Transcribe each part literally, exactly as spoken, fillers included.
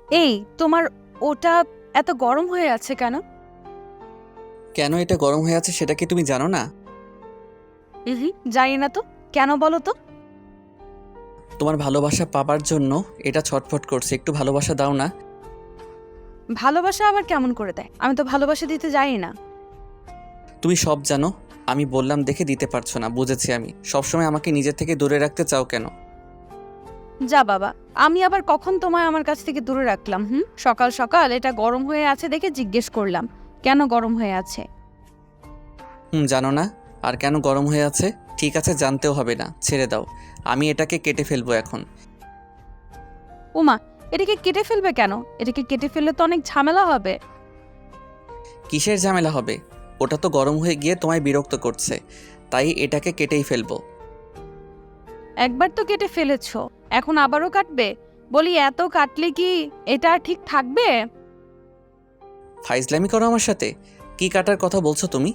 এই তোমার ওটা এত গরম হয়ে আছে কেন? কেন এটা গরম হয়ে আছে সেটা কি তুমি জানো না? হুম, জানি না তো। কেন বলো তো? তোমার ভালোবাসা পাবার জন্য এটা ছটফট করছে, একটু ভালোবাসা দাও না। ভালোবাসা আবার কেমন করে দেয়? আমি তো ভালোবাসা দিতে জানি না। তুমি সব জানো, আমি বললাম দেখে দিতে পারছো না, বুঝেছি আমি। সবসময় আমাকে নিজের থেকে দূরে রাখতে চাও কেন? যা বাবা, আমি আবার কখন তোমায় আমার কাছ থেকে দূরে রাখলাম? হুম, সকাল সকাল এটা গরম হয়ে আছে দেখে জিজ্ঞেস করলাম কেন গরম হয়ে আছে। হুম, জানো না? আর কেন গরম হয়ে আছে? ঠিক আছে, জানতেও হবে না, ছেড়ে দাও। আমি এটাকে কেটে ফেলবো এখন। ওমা, এটাকে কেটে ফেলবে কেন? এটাকে কেটে ফেললে তো অনেক ঝামেলা হবে। কিসের ঝামেলা হবে? ওটা তো গরম হয়ে গিয়ে তোমায় বিরক্ত করছে, তাই এটাকে কেটেই ফেলবো। একবার তো কেটে ফেলেছো, এখন আবারও কাটবে? বলি এত কাটলে কি এটা আর ঠিক থাকবে? ফাইজলামি করো আমার সাথে? কি কাটার কথা বলছো তুমি?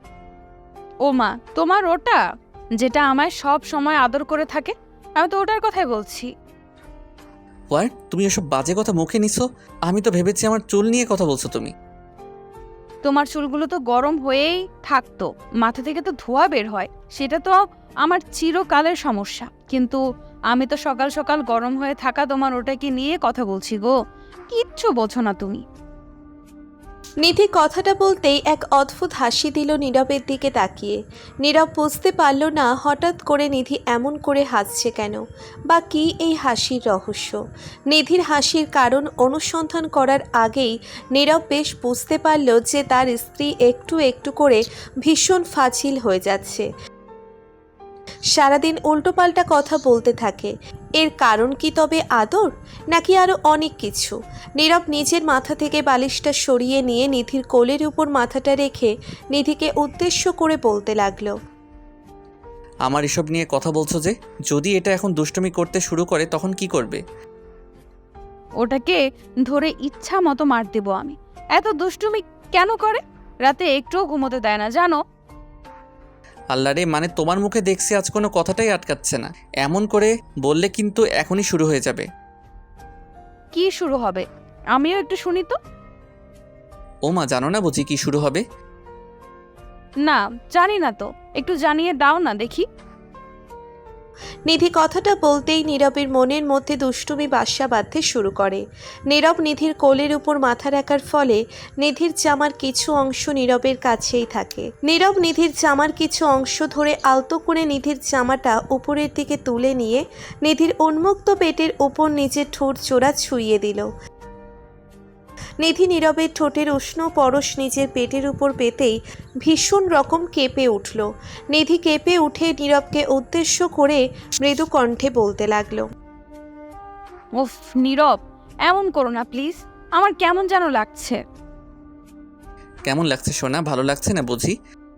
ওমা, তোমার ওটা যেটা আমায় সব সময় আদর করে থাকে, আমি তো ওটার কথাই বলছি। হোয়াট? তুমি এসব বাজে কথা মুখে নিছো? আমি তো ভেবেছি আমার চুল নিয়ে কথা বলছো তুমি। তোমার চুলগুলো তো গরম হয়েই থাকতো, মাথা থেকে তো ধোঁয়া বের হয়, সেটা তো আমার চিরকালের সমস্যা। কিন্তু আমি তো সকাল সকাল গরম হয়ে থাকা তোমার ওটাকে নিয়ে কথা বলছি গো। কিচ্ছু বোঝো না তুমি। নিধি কথাটা বলতেই এক অদ্ভুত হাসি দিল নীরবের দিকে তাকিয়ে। নীরব বুঝতে পারল না হঠাৎ করে নিধি এমন করে হাসছে কেন, বা কী এই হাসির রহস্য। নিধির হাসির কারণ অনুসন্ধান করার আগেই নীরব বেশ বুঝতে পারল যে তার স্ত্রী একটু একটু করে ভীষণ ফাজিল হয়ে যাচ্ছে, সারাদিন উল্টোপাল্টা কথা বলতে থাকে। এর কারণ কি তবে আদর, নাকি আরও অনেক কিছু? নীরব নিজের মাথা থেকে বালিশটা সরিয়ে নিয়ে নিধির কোলের উপর মাথাটা রেখে নিধিকে উদ্দেশ্য করে বলতে লাগলো। আমার এসব নিয়ে কথা বলছো যে? যদি এটা এখন দুষ্টুমি করতে শুরু করে তখন কি করবে? ওটাকে ধরে ইচ্ছা মতো মার দেবো আমি। এত দুষ্টুমি কেন করে? রাতে একটুও ঘুমোতে দেয় না জানো? আল্লাহ রে, মানে তোমার মুখে দেখছি আজ কোনো কথাটাই আটকাচ্ছে না। এমন করে বললে কিন্তু এখনই শুরু হয়ে যাবে। কি শুরু হবে? আমিও একটু শুনি তো। ও মা, জানো না বুঝি কি শুরু হবে? না, জানি না তো, একটু জানিয়ে দাও না দেখি। নিধি কথাটা বলতেই নীরবের মনের মধ্যে দুষ্টুমি বাসা বাঁধতে শুরু করে। নীরব নিধির কোলের উপর মাথা রাখার ফলে নিধির জামার কিছু অংশ নীরবের কাছেই থাকে। নীরব নিধির জামার কিছু অংশ ধরে আলতো করে নিধির জামাটা উপরের দিকে তুলে নিয়ে নিধির উন্মুক্ত পেটের উপর নিজের ঠোঁট জোড়া ছুঁয়ে দিল। নিধি নীরবের ঠোঁটের উষ্ণ পরশ নিজের পেটের উপর পেতেই ভীষণ রকম কেঁপে উঠল। নিধি কেঁপে উঠে নীরবকে উদ্দেশ্য করে মৃদু কণ্ঠে বলতে লাগলো। উফ নীরব, এমন করো না প্লিজ, আমার কেমন যেন লাগছে। কেমন লাগছে সোনা? ভালো লাগছে না বুঝি?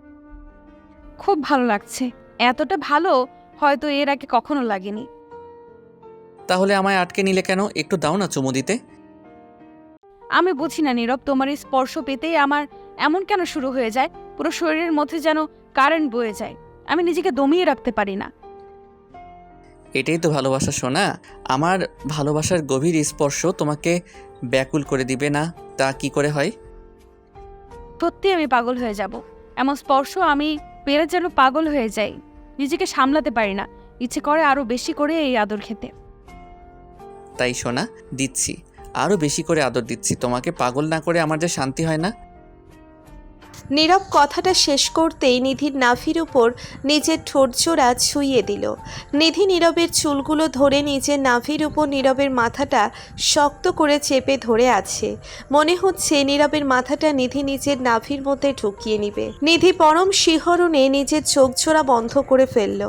খুব ভালো লাগছে, এতটা ভালো হয়তো এর আগে কখনো লাগেনি। তাহলে আমায় আটকে নিলে কেন? একটু দাও না চুমু দিতে। আমি বুঝি না নীরব, তোমার এই স্পর্শ পেতেই আমার এমন কেন শুরু হয়ে যায়, পুরো শরীরের মধ্যে যেন কারেন্ট বয়ে যায়, আমি নিজেকে দমিয়ে রাখতে পারি না। এটাই তো ভালোবাসা সোনা। আমার ভালোবাসার গভীর স্পর্শ তোমাকে ব্যাকুল করে দিবে না তা কি করে হয়? সত্যি আমি পাগল হয়ে যাব, এমন স্পর্শ আমি পেরে যেন পাগল হয়ে যাই, নিজেকে সামলাতে পারি না, ইচ্ছে করে আরো বেশি করে এই আদর খেতে। তাই সোনা, দিচ্ছি, আরও বেশি করে আদর দিচ্ছি। তোমাকে পাগল না করে আমার যে শান্তি হয় না। নীরব কথাটা শেষ করতেই নিধির নাভির উপর নিজের ঠোঁট জোড়া ছুঁয়ে দিল। নিধি নীরবের চুলগুলো ধরে নিজের নাভির উপর নীরবের মাথাটা শক্ত করে চেপে ধরে আছে। মনে হচ্ছে নীরবের মাথাটা নিধি নিজের নাভির মধ্যে ঢুকিয়ে নিবে। নিধি পরম শিহরণে নিজের চোখ জোড়া বন্ধ করে ফেলল।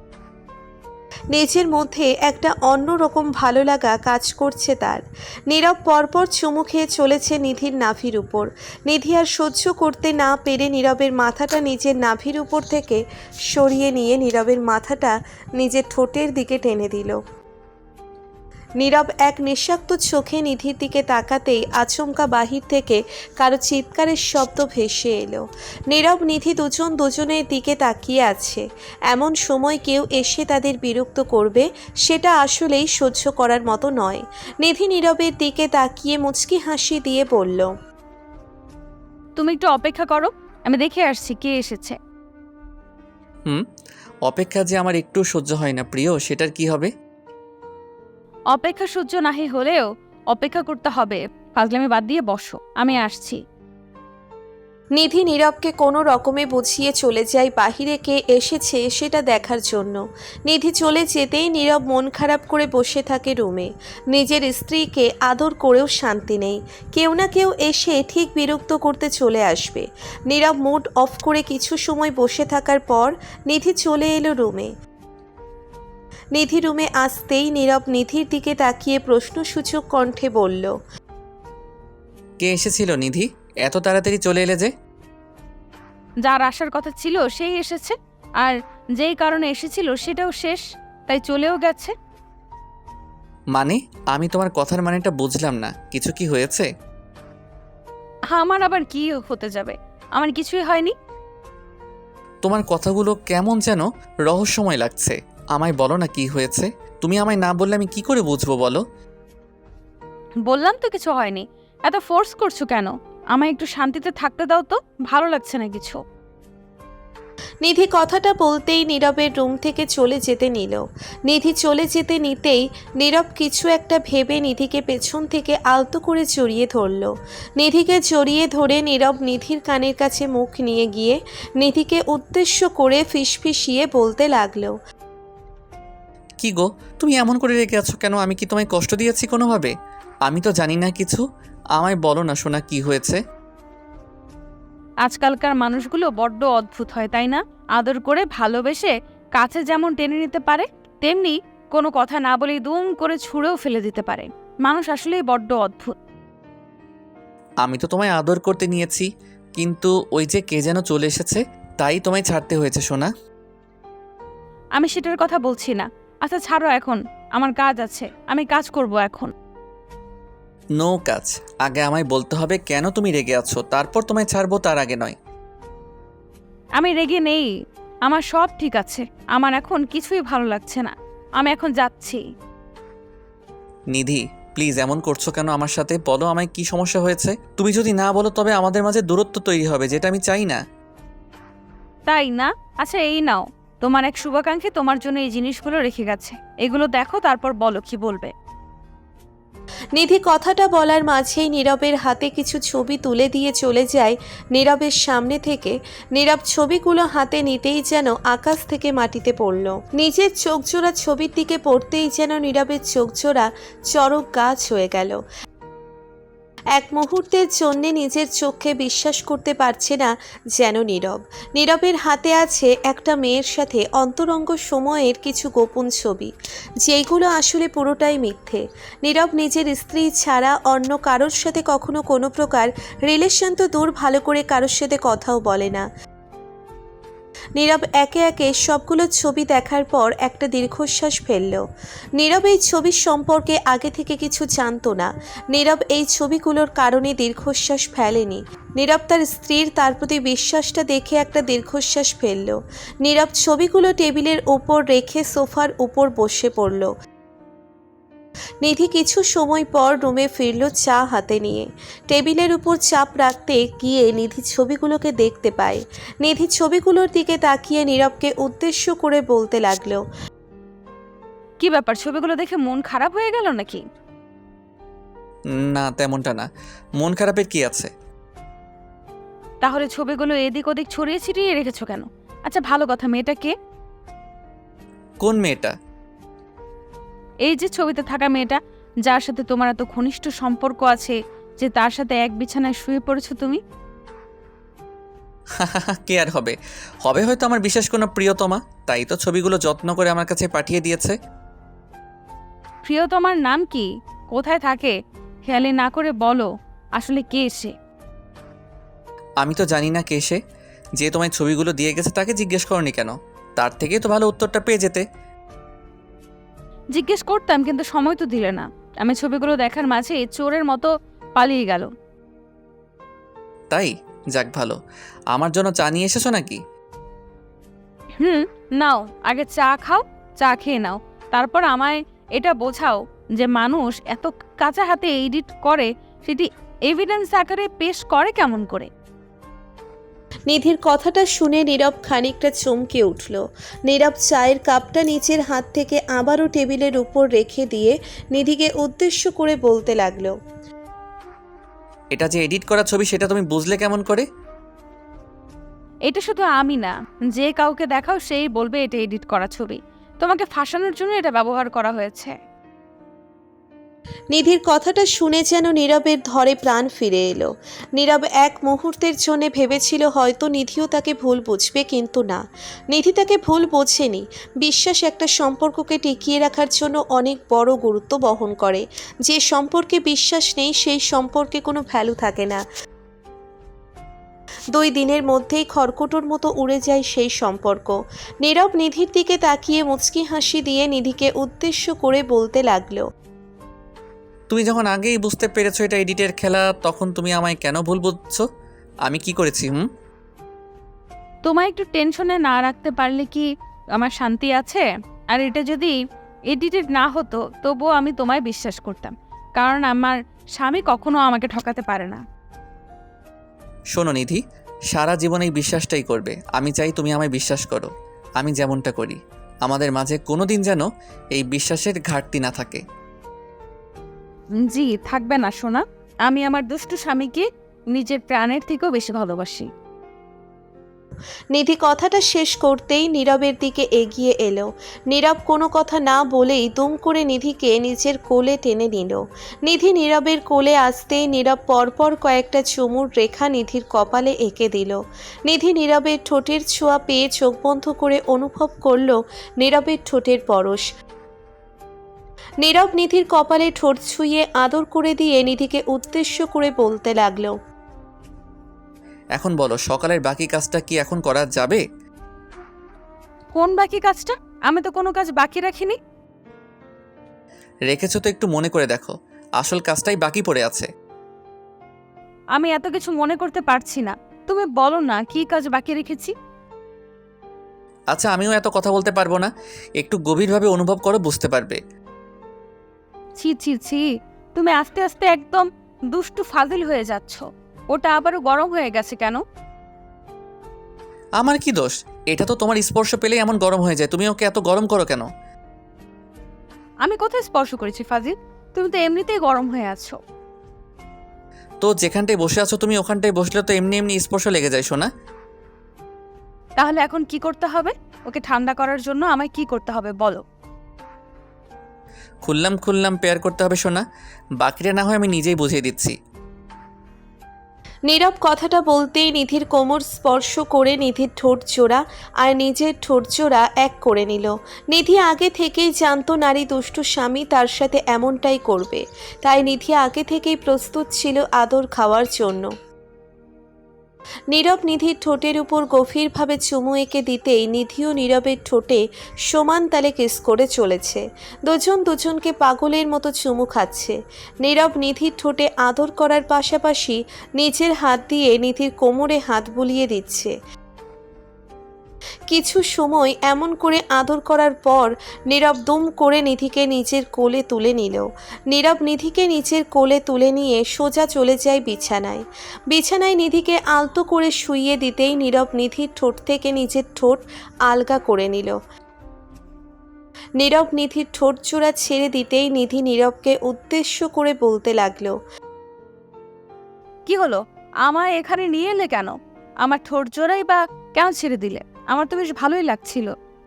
নিজের মধ্যে একটা অন্যরকম ভালো লাগা কাজ করছে তার। নীরব পরপর চুমু খেয়ে চলেছে নিধির নাভির উপর। নিধি আর সহ্য করতে না পেরে নীরবের মাথাটা নিজের নাভির উপর থেকে সরিয়ে নিয়ে নীরবের মাথাটা নিজের ঠোঁটের দিকে টেনে দিল। নীরব এক নিঃশব্দ চোখে নিধির দিকে তাকাতেই আচমকা বাহির থেকে কারো চিৎকারের শব্দ ভেসে এলো। নীরব নিধি দুজন দুজনের দিকে তাকিয়ে আছে। এমন সময় কেউ এসে তাদের বিরক্ত করবে সেটা আসলেই সহ্য করার মতো নয়। নিধি নীরবের দিকে তাকিয়ে মুচকি হাসি দিয়ে বলল, তুমি একটু অপেক্ষা করো, আমি দেখে আসছি কে এসেছে। হুম, অপেক্ষা যে আমার একটু সহ্য হয় না প্রিয়, সেটার কি হবে? অপেক্ষা সহ্য নাহি হলেও অপেক্ষা করতে হবে। ফাজলামি বাদ দিয়ে বসো, আমি আসছি। নিধি নীরবকে কোনো রকমে বুঝিয়ে চলে যায় বাহিরে কে এসেছে সেটা দেখার জন্য। নিধি চলে যেতেই নীরব মন খারাপ করে বসে থাকে রুমে। নিজের স্ত্রীকে আদর করেও শান্তি নেই। কেউ না কেউ এসে ঠিক বিরক্ত করতে চলে আসবে। নীরব মুড অফ করে কিছু সময় বসে থাকার পর নিধি চলে এলো রুমে। নিধি রুমে আসতেই নীরব নিধির দিকে তাকিয়ে প্রশ্নসূচক কণ্ঠে বলল, কে এসেছিল নিধি? এত তাড়াতাড়ি চলে এলে যে? যার আসার কথা ছিল সেই এসেছে, আর যেই কারণে এসেছিল সেটাও শেষ, তাই চলেও গেছে। মানে আমি তোমার কথার মানেটা বুঝলাম না, কিছু কি হয়েছে? আমার আবার কি হতে যাবে, আমার কিছুই হয়নি। তোমার কথাগুলো কেমন যেন রহস্যময় লাগছে। আমায় বলো না কি হয়েছে। তুমি আমায় না বললে আমি কি করে বুঝবো বলো? বললাম তো কিছু হয়নি, এত ফোর্স করছো কেন? আমায় একটু শান্তিতে থাকতে দাও তো, ভালো লাগছে না কিছু। নিধি কথাটা বলতেই নীরবের রুম থেকে চলে যেতে নিল। নিধি চলে যেতে নিতেই নীরব কিছু একটা ভেবে নিধিকে পেছন থেকে আলতো করে জড়িয়ে ধরল। নিধিকে জড়িয়ে ধরে নীরব নিধির কানের কাছে মুখ নিয়ে গিয়ে নিধিকে উদ্দেশ্য করে ফিসফিসিয়ে বলতে লাগলো, কি গো, তুমি এমন করে রেখে আছো কেন? আমি কি তোমায় কষ্ট দিয়েছি কোনোভাবে? আমি তো জানি না কিছু। আমায় বলো না সোনা, কি হয়েছে? আজকালকার মানুষগুলো বড্ড অদ্ভুত হয়, তাই না? আদর করে ভালোবেসে কাছে যেমন টেনে নিতে পারে, তেমনি কোনো কথা না বলেই দুম করে ছুঁড়েও ফেলে দিতে পারে। মানুষ আসলেই বড্ড অদ্ভুত। আমি তো তোমায় আদর করতে নিয়েছি, কিন্তু ওই যে কে যেন চলে এসেছে, তাই তোমায় ছাড়তে হয়েছে সোনা। আমি সেটার কথা বলছি না। আচ্ছা ছাড়ো এখন, আমার কাজ আছে, আমি কাজ করব এখন। নো কাজ। আগে আমায় বলতে হবে কেন তুমি রেগে আছো, তারপর তোমায় ছাড়বো, তার আগে নয়। আমি রেগে নেই, আমার সব ঠিক আছে। আমার এখন কিছুই ভালো লাগছে না, আমি এখন যাচ্ছি। নিধি প্লিজ এমন করছো কেন আমার সাথে? বলো আমায় কি সমস্যা হয়েছে। তুমি যদি না বলো তবে আমাদের মাঝে দূরত্ব তৈরি হবে, যেটা আমি চাই না। তাই না? আচ্ছা এই নাও, তোমার এক শুভাকাঙ্ক্ষী তোমার জন্য এই জিনিসগুলো রেখে গেছে, এগুলো দেখো, তারপর বলো কি বলবে। নিধি কথাটা বলার মাঝেই নীরবের হাতে কিছু ছবি তুলে দিয়ে চলে যায় নীরবের সামনে থেকে। নীরব ছবিগুলো হাতে নিতেই যেন আকাশ থেকে মাটিতে পড়ল। নিজের চোখজোড়া ছবির দিকে পড়তেই যেন নীরবের চোখজোড়া চড়ক গাছ হয়ে গেল। এক মুহূর্তের জন্যে নিজের চোখে বিশ্বাস করতে পারছে না যেন নীরব। নীরবের হাতে আছে একটা মেয়ের সাথে অন্তরঙ্গ সময়ের কিছু গোপন ছবি, যেগুলো আসলে পুরোটাই মিথ্যে। নীরব নিজের স্ত্রী ছাড়া অন্য কারোর সাথে কখনো কোনো প্রকার রিলেশন তো দূর, ভালো করে কারোর সাথে কথাও বলে না। নীরব একে একে সবগুলো ছবি দেখার পর একটা দীর্ঘশ্বাস ফেলল। নীরব এই ছবির সম্পর্কে আগে থেকে কিছু জানতো না। নীরব এই ছবিগুলোর কারণে দীর্ঘশ্বাস ফেলেনি। নীরব তার স্ত্রীর তার প্রতি বিশ্বাসটা দেখে একটা দীর্ঘশ্বাস ফেলল। নীরব ছবিগুলো টেবিলের উপর রেখে সোফার উপর বসে পড়ল। নিধি কিছু সময় পর রুমে ফিরল চা হাতে নিয়ে। টেবিলের উপর চাপ রাখতে গিয়ে নিধি ছবিগুলোকে দেখতে পায়। নিধি ছবিগুলোর দিকে তাকিয়ে নীরবকে উদ্দেশ্য করে বলতে লাগলো, কি ব্যাপার, ছবিগুলো দেখে মন খারাপ হয়ে গেল নাকি? না তেমনটা না, মন খারাপের কি আছে? তাহলে ছবিগুলো এদিক ওদিক ছড়িয়ে ছিটিয়ে রেখেছো কেন? আচ্ছা ভালো কথা, মেয়েটা কে? কোন মেয়েটা? এই যে ছবিতে থাকা মেয়েটা, যার সাথে তোমার এত ঘনিষ্ঠ সম্পর্ক আছে, যে তার সাথে এক বিছানায় শুয়ে পড়েছো তুমি। কে আর হবে? হবে হয়তো আমার বিশেষ কোনো প্রিয়তমা, তাই তো ছবিগুলো যত্ন করে আমার কাছে পাঠিয়ে দিয়েছে। প্রিয়তমার নাম কি, কোথায় থাকে? খেয়ালি না করে বলো, আসলে কে সে? আমি তো জানি না কে সে। যে তোমায় ছবিগুলো দিয়ে গেছে তাকে জিজ্ঞেস করনি কেন? তার থেকেই তো ভালো উত্তরটা পেয়ে যেতে। জিজ্ঞেস করতাম, কিন্তু সময় তো দিলে না। আমি ছবিগুলো দেখার মাঝে চোরের মতো পালিয়ে গেল। তাই? যাক ভালো। আমার জন্য চা নিয়ে এসেছো নাকি? হুম, নাও, আগে চা খাও, চা খেয়ে নাও, তারপর আমায় এটা বোঝাও যে মানুষ এত কাঁচা হাতে এডিট করে, সেটি এভিডেন্স আকারে পেশ করে কেমন করে। নিধির কথাটা শুনে নীরব খানিকটা চমকে উঠল। নীরব চায়ের কাপটা নিচের হাত থেকে আবারও টেবিলের উপর রেখে দিয়ে নিধিকে উদ্দেশ্য করে বলতে লাগলো, এটা যে এডিট করা ছবি সেটা তুমি বুঝলে কেমন করে? এটা শুধু আমি না, যে কাউকে দেখাও সেই বলবে এটা এডিট করা ছবি। তোমাকে ফাঁসানোর জন্য এটা ব্যবহার করা হয়েছে। নিধির কথাটা শুনে যেন নীরবের ধরে প্রাণ ফিরে এলো। নীরব এক মুহূর্তের জন্য ভেবেছিল হয়তো নিধিও তাকে ভুল বুঝবে, কিন্তু না, নিধি তাকে ভুল বোঝেনি। বিশ্বাস একটা সম্পর্ককে টিকিয়ে রাখার জন্য অনেক বড় গুরুত্ব বহন করে। যে সম্পর্কে বিশ্বাস নেই সেই সম্পর্কে কোনো ভ্যালু থাকে না। দুই দিনের মধ্যেই খড়কুটোর মতো উড়ে যায় সেই সম্পর্ক। নীরব নিধির দিকে তাকিয়ে মুচকি হাসি দিয়ে নিধিকে উদ্দেশ্য করে বলতে লাগলো, তুমি যখন আগেই বুঝতে পেরেছো এটা এডিটের খেলা, তখন তুমি আমায় কেন ভুল বুঝছো? আমি কি করেছি? হুম তোমায় একটু টেনশনে না রাখতে পারলে কি আমার শান্তি আছে? আর এটা যদি এডিটেড না হতো তবুও আমি তোমায় বিশ্বাস করতাম, কারণ আমার স্বামী কখনো আমাকে ঠকাতে পারে না। শোনো নিধি, সারা জীবন এই বিশ্বাসটাই করবে। আমি চাই তুমি আমায় বিশ্বাস করো, আমি যেমনটা করি। আমাদের মাঝে কোনো দিন যেন এই বিশ্বাসের ঘাটতি না থাকে। জি, থাকবে না সোনা। আমি আমার দুষ্টু স্বামীকে নিজের প্রাণের থেকেও বেশি ভালোবাসি। নিধি কথাটা শেষ করতেই নীরবের দিকে এগিয়ে এলো। নীরব কোনো কথা না বলেই দুম করে নিধিকে নিজের কোলে টেনে নিল। নিধি নীরবের কোলে আসতেই নীরব পরপর কয়েকটা চুমুর রেখা নিধির কপালে এঁকে দিল। নিধি নীরবের ঠোঁটের ছোঁয়া পেয়ে চোখ বন্ধ করে অনুভব করল নীরবের ঠোঁটের পরশ। নীরব নিধির কপালে ঠোঁট ছুঁয়ে আদর করে দিয়ে নিধিকে উদ্দেশ্য করে বলতে লাগলো, এখন বলো, সকালের বাকি কাজটা কি এখন করা যাবে? কোন বাকি কাজটা? আমি তো কোনো কাজ বাকি রাখিনি। রেখেছো তো একটু মনে করে দেখো, আসল কাজটাই বাকি পড়ে আছে। আমি এত কিছু মনে করতে পারছি না, তুমি বলো না কি কাজ বাকি রেখেছি। আচ্ছা, আমিও এত কথা বলতে পারবো না, একটু গভীরভাবে অনুভব করো, বুঝতে পারবে। ছি ছি ছি, তুমি আস্তে আস্তে একদম দুষ্টু ফাজিল হয়ে যাচ্ছ। ওটা আবারও গরম হয়ে গেছে কেন? আমার কি দোষ? এটা তো তোমার স্পর্শ পেলেই এমন গরম হয়ে যায়, তুমি ওকে এত গরম করো কেন? আমি কোথায় স্পর্শ করেছি ফাজিল? তুমি তো এমনিতেই গরম হয়ে আছো। তো যেখানটায় বসে আছো তুমি, ওখানটায় বসলে তো এমনি এমনি স্পর্শ লেগে যায় শোনা। তাহলে এখন কি করতে হবে? ওকে ঠান্ডা করার জন্য আমায় কি করতে হবে বলো। খুললাম খুললাম পেয়ার করতে হবে শোনা, বাকিটা না হয় আমি নিজেই বুঝিয়ে দিচ্ছি। নীরব কথাটা বলতেই নিধির কোমর স্পর্শ করে নিধির ঠোঁট জোড়া আর নিজের ঠোঁট জোড়া এক করে নিল। নিধি আগে থেকেই জানতো নারী দুষ্টু স্বামী তার সাথে এমনটাই করবে, তাই নিধি আগে থেকেই প্রস্তুত ছিল আদর খাওয়ার জন্য। নীরব নিধির ঠোঁটের উপর গভীরভাবে চুমু এঁকে দিতেই নিধিও নীরবের ঠোঁটে সমান তালে কিস করে চলেছে। দুজন দুজনকে পাগলের মতো চুমু খাচ্ছে। নীরব নিধির ঠোঁটে আদর করার পাশাপাশি নিজের হাত দিয়ে নিধির কোমরে হাত বুলিয়ে দিচ্ছে। কিছু সময় এমন করে আদর করার পর নীরব দুম করে নিধিকে নিজের কোলে তুলে নিল। নীরব নিধিকে নিজের কোলে তুলে নিয়ে সোজা চলে যায় বিছানায়। বিছানায় নিধিকে আলতো করে শুইয়ে দিতেই নীরব নিধির ঠোঁট থেকে নিজের ঠোঁট আলগা করে নিল। নীরব নিধির ঠোঁট জোড়া ছেড়ে দিতেই নিধি নীরবকে উদ্দেশ্য করে বলতে লাগলো, কি হলো? আমায় এখানে নিয়ে এলে কেন? আমার ঠোঁট জোড়াই বা কেন ছেড়ে দিলে? আমার তো বেশ ভালোই লাগছিল।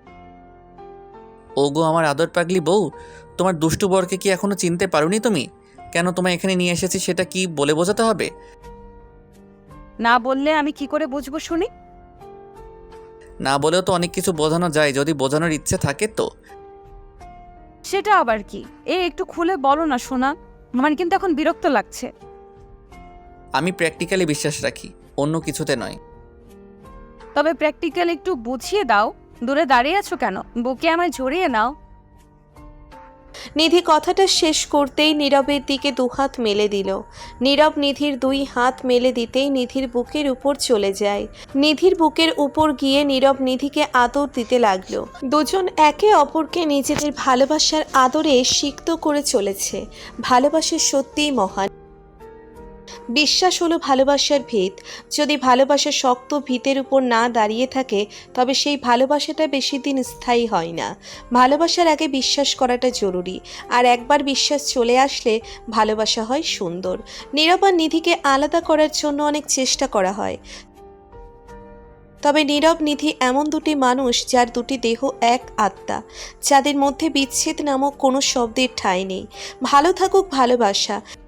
ওগো আমার আদর পাগলি বউ, তোমার দুষ্টু বরকে কি এখনো চিনতে পারোনি তুমি? কেন তোমায় এখানে নিয়ে এসেছি সেটা কি বলে বোঝাতে হবে? না বললে আমি কি করে বুঝবো শুনি? না বলেও তো অনেক কিছু বোঝানো যায়, যদি বোঝানোর ইচ্ছে থাকে তো। সেটা আবার কি? এ একটু খুলে বলো না সোনা, আমার কিন্তু এখন বিরক্ত লাগছে। আমি প্র্যাকটিক্যালি বিশ্বাস রাখি, অন্য কিছুতে নয়। তবে প্র্যাকটিক্যাল একটু বুঝিয়ে দাও। দূরে দাঁড়িয়ে আছো কেন? বুকে আমায় জড়িয়ে নাও। নিধি কথাটা শেষ করতেই নীরবের দিকে দুহাত মেলে দিল। নীরব নিধির দুই হাত মেলে দিতেই নিধির বুকের উপর চলে যায়। নিধির বুকের উপর গিয়ে নীরব নিধিকে আদর দিতে লাগলো। দুজন একে অপরকে নিজেদের ভালোবাসার আদরে সিক্ত করে চলেছে। ভালোবাসা সত্যিই মহান। বিশ্বাস হলো ভালোবাসার ভিত। যদি ভালোবাসা শক্ত ভিতের উপর না দাঁড়িয়ে থাকে তবে সেই ভালোবাসাটা বেশি দিন স্থায়ী হয় না। ভালোবাসার আগে বিশ্বাস করাটা জরুরি, আর একবার বিশ্বাস চলে আসলে ভালোবাসা হয় সুন্দর। নীরব আর নিধিকে আলাদা করার জন্য অনেক চেষ্টা করা হয়, তবে নীরব নিধি এমন দুটি মানুষ যার দুটি দেহ এক আত্মা, যাদের মধ্যে বিচ্ছেদ নামক কোনো শব্দের ঠাঁই নেই। ভালো থাকুক ভালোবাসা।